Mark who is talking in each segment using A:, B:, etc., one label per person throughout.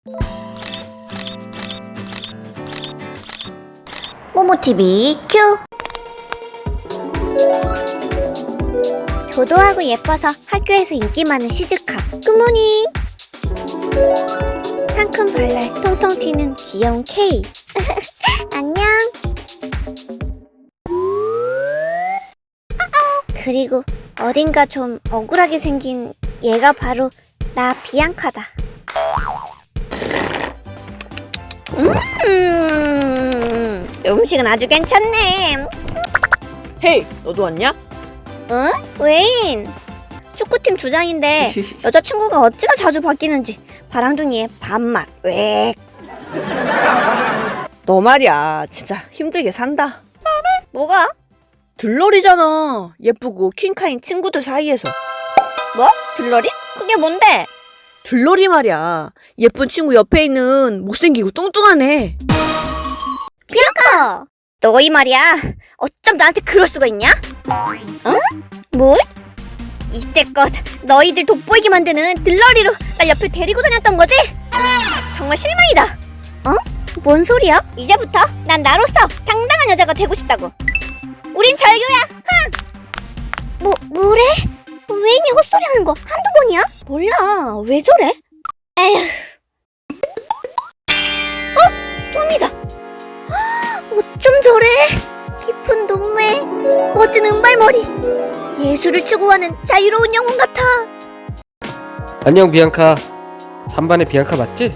A: 모모TV 큐!
B: 도도하고 예뻐서 학교에서 인기 많은 시즈카 굿모닝. 상큼 발랄 통통 튀는 귀여운 K. 안녕. 그리고 어딘가 좀 억울하게 생긴 얘가 바로 나 비앙카다. 음식은 아주 괜찮네.
C: 헤이, 너도 왔냐?
B: 응? 웨인! 축구팀 주장인데 여자친구가 어찌나 자주 바뀌는지 바람둥이의 밥맛 웩.
C: 너 말이야, 진짜 힘들게 산다.
B: 뭐가?
C: 들러리잖아. 예쁘고 퀸카인 친구들 사이에서.
B: 뭐? 들러리? 그게 뭔데?
C: 들러리 말이야. 예쁜 친구 옆에 있는 못생기고 뚱뚱한 애.
B: 비앙카! 너희 말이야 어쩜 나한테 그럴 수가 있냐? 어? 뭘? 이때껏 너희들 돋보이게 만드는 들러리로 날 옆에 데리고 다녔던 거지? 정말 실망이다. 어? 뭔 소리야? 이제부터 난 나로서 당당한 여자가 되고 싶다고. 우린 절교야. 흥! 뭐래? 웨인이 헛소리하는 거 한두 번이야? 몰라. 왜 저래? 에휴. 톰이다. 어쩜 저래? 깊은 눈매, 멋진 은발머리, 예술을 추구하는 자유로운 영혼 같아.
D: 안녕 비앙카. 3반의 비앙카 맞지?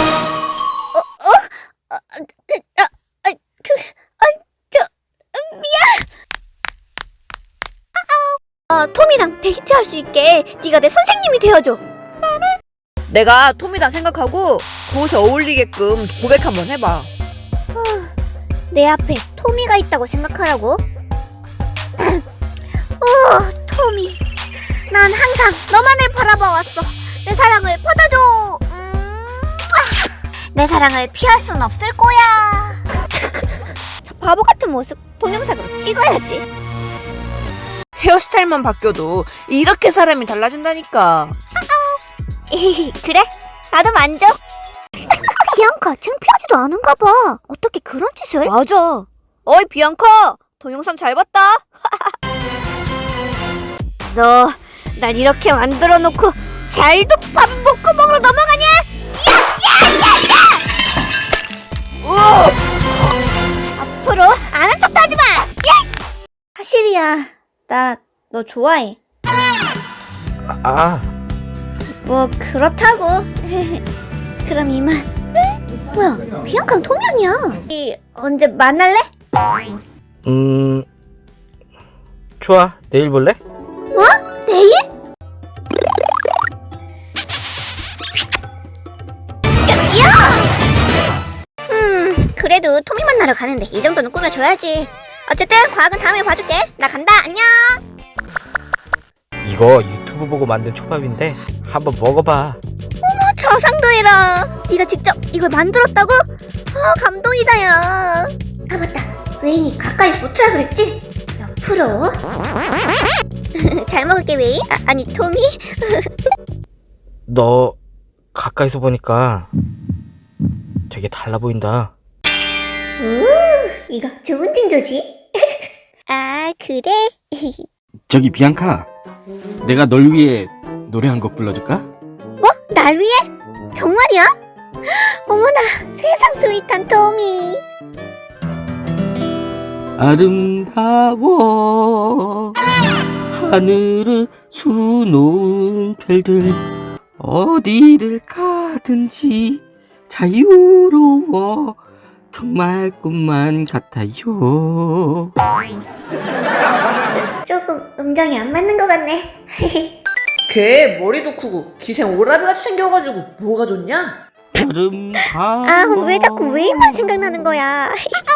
B: 톰이랑 데이트할 수 있게 네가 내 선생님이 되어줘.
C: 내가 톰이다 생각하고 그 옷에 어울리게끔 고백 한번 해봐.
B: 내 앞에 토미가 있다고 생각하라고? 토미. 난 항상 너만을 바라봐왔어. 내 사랑을 받아줘. 내 사랑을 피할 순 없을 거야. 저 바보 같은 모습 동영상으로 찍어야지.
C: 헤어스타일만 바뀌어도 이렇게 사람이 달라진다니까.
B: 그래? 나도 만족. 비앙카 창피하지도 않은가 봐. 어떻게 그런 짓을?
C: 맞아. 어이 비앙카, 동영상 잘 봤다.
B: 너 날 이렇게 만들어 놓고 잘도 밥 목구멍으로 넘어가냐? 앞으로 아는 척도 하지 마. 야! 사실이야. 나 너 좋아해. 뭐 그렇다고. 그럼 이만. 뭐야? 비앙카랑 톰이 아니야. 이 언제 만날래?
D: 좋아. 내일 볼래?
B: 뭐? 내일? 그래도 토미 만나러 가는데 이 정도는 꾸며줘야지. 어쨌든 과학은 다음에 봐줄게. 나 간다. 안녕.
D: 이거 유튜브 보고 만든 초밥인데 한번 먹어봐.
B: 가상도 해라. 네가 직접 이걸 만들었다고? 감동이다 야. 아 맞다. 웨인이 가까이 붙으라 그랬지? 옆으로. 잘 먹을게 웨인. 아니 토미.
D: 너 가까이서 보니까 되게 달라 보인다.
B: 이거 좋은 징조지? 아 그래?
D: 저기 비앙카, 내가 널 위해 노래 한 곡 불러줄까?
B: 뭐? 날 위해? 정말이야? 어머나 세상 스윗한 토미.
D: 아름다워 하늘을 수놓은 별들, 어디를 가든지 자유로워 정말 꿈만 같아요.
B: 조금 음정이 안 맞는 것 같네.
C: 걔 머리도 크고 기생 오라비같이 생겨가지고 뭐가 좋냐?
D: 아름다워.
B: 왜 자꾸 웨인만 생각나는 거야?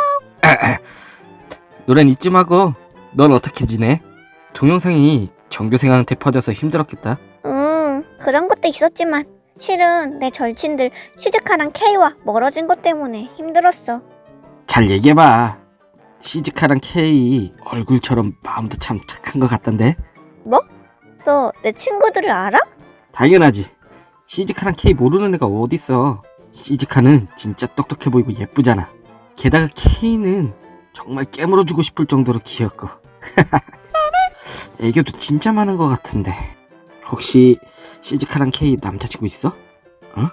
D: 노래는 이쯤 하고 넌 어떻게 지내? 동영상이 전교생한테 퍼져서 힘들었겠다.
B: 그런 것도 있었지만 실은 내 절친들 시즈카랑 K와 멀어진 것 때문에 힘들었어.
D: 잘 얘기해봐. 시즈카랑 K 얼굴처럼 마음도 참 착한 것 같던데.
B: 뭐? 너 내 친구들을 알아?
D: 당연하지. 시즈카랑 K 모르는 애가 어딨어. 시즈카는 진짜 똑똑해 보이고 예쁘잖아. 게다가 K는 정말 깨물어주고 싶을 정도로 귀엽고. 애교도 진짜 많은 것 같은데. 혹시 시즈카랑 K 남자친구 있어? 어?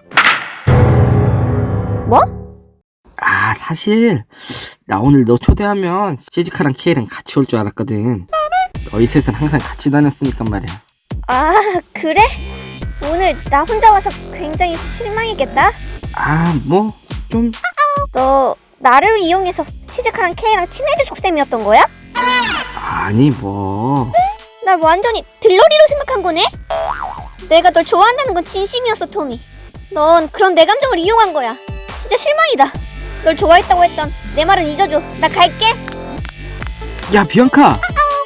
B: 뭐?
D: 아, 사실 나 오늘 너 초대하면 시즈카랑 K랑 같이 올 줄 알았거든. 너희 셋은 항상 같이 다녔으니까 말이야.
B: 아, 그래? 오늘 나 혼자 와서 굉장히 실망했겠다?
D: 아, 뭐 좀...
B: 너 나를 이용해서 시즈카랑 K랑 친해질 속셈이었던 거야?
D: 아니 뭐...
B: 날 완전히 들러리로 생각한 거네? 내가 널 좋아한다는 건 진심이었어, 토미. 넌 그런 내 감정을 이용한 거야. 진짜 실망이다. 널 좋아했다고 했던 내 말은 잊어줘. 나 갈게.
D: 야, 비앙카!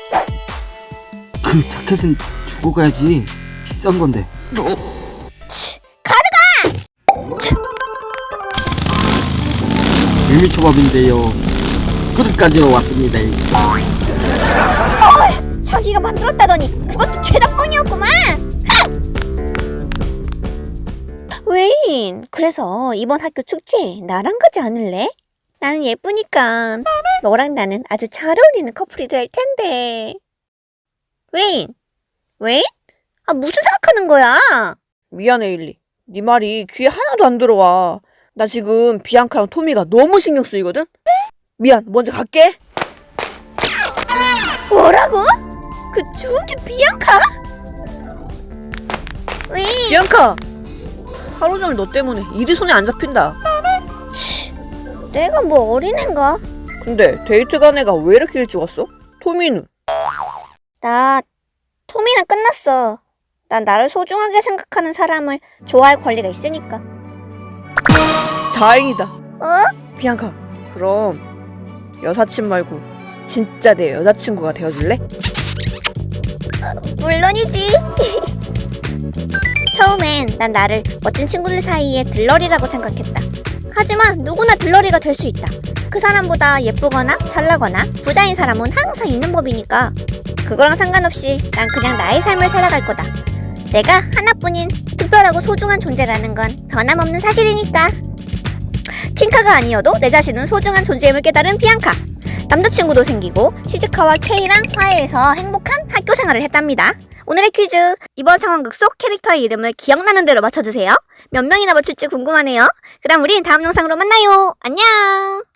D: 그 자켓은 주고 가야지. 비싼 건데.
B: 치, 가져가!
D: 밀미초밥인데요. 그릇까지로 왔습니다.
B: 자기가 만들었다더니 그것도 죄다 뻥이었구만. 웨인, 그래서 이번 학교 축제에 나랑 가지 않을래? 나는 예쁘니까 너랑 나는 아주 잘 어울리는 커플이 될 텐데. 웨인? 웨인? 아, 무슨 생각하는 거야?
C: 미안해, 일리. 네 말이 귀에 하나도 안 들어와. 나 지금 비앙카랑 토미가 너무 신경 쓰이거든? 미안, 먼저 갈게.
B: 뭐라고? 그 주운지 비앙카? 웨인,
C: 비앙카! 하루 종일 너 때문에 일이 손에 안 잡힌다.
B: 내가 뭐 어린애인가?
C: 근데 데이트 간 애가 왜 이렇게 일찍 왔어? 토미는?
B: 나 토미랑 끝났어. 난 나를 소중하게 생각하는 사람을 좋아할 권리가 있으니까.
C: 다행이다.
B: 어?
C: 비앙카, 그럼 여사친 말고 진짜 내 여자친구가 되어줄래?
B: 물론이지. 처음엔 난 나를 멋진 친구들 사이에 들러리라고 생각했다. 하지만 누구나 들러리가 될 수 있다. 그 사람보다 예쁘거나 잘나거나 부자인 사람은 항상 있는 법이니까. 그거랑 상관없이 난 그냥 나의 삶을 살아갈 거다. 내가 하나뿐인 특별하고 소중한 존재라는 건 변함없는 사실이니까. 퀸카가 아니어도 내 자신은 소중한 존재임을 깨달은 비앙카. 남자친구도 생기고 시즈카와 K랑 화해해서 행복한 학교 생활을 했답니다. 오늘의 퀴즈, 이번 상황극 속 캐릭터의 이름을 기억나는 대로 맞춰주세요. 몇 명이나 맞출지 궁금하네요. 그럼 우린 다음 영상으로 만나요. 안녕.